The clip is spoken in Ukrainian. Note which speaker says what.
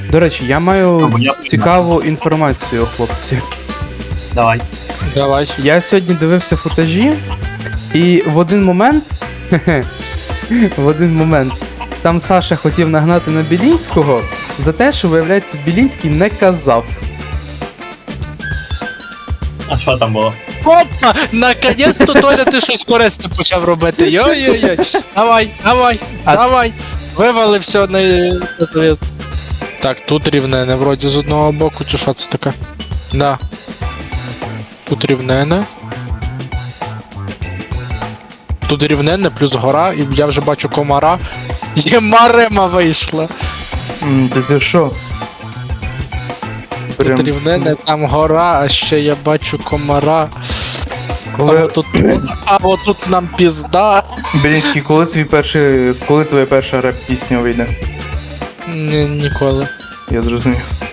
Speaker 1: До речі, я маю
Speaker 2: Або я
Speaker 1: цікаву інформацію, хлопці.
Speaker 2: Давай.
Speaker 3: Давай.
Speaker 1: Я сьогодні дивився футажі, і в один момент. В один момент. Там Саша хотів нагнати на Білінського за те, що, виявляється, Білінський не казав.
Speaker 2: А що там було?
Speaker 3: Опа! Наконець-то Толя ти щось корисне почав робити. Йой-йой-йой. Давай, давай,
Speaker 1: А-
Speaker 3: давай. Вивали все на ответ. Так, тут рівнене, вроді з одного боку, чи що це таке? Да. Тут рівнене. Тут рівнене, плюс гора, і я вже бачу комара. Є Марема вийшла.
Speaker 1: Ти що?
Speaker 3: Тут рівнене, там гора, а ще я бачу комара.
Speaker 1: Коли...
Speaker 3: А отут нам пізда.
Speaker 1: Білінський, коли твоя перша реп-пісня вийде?
Speaker 3: Ніколи.
Speaker 1: Я зрозумів.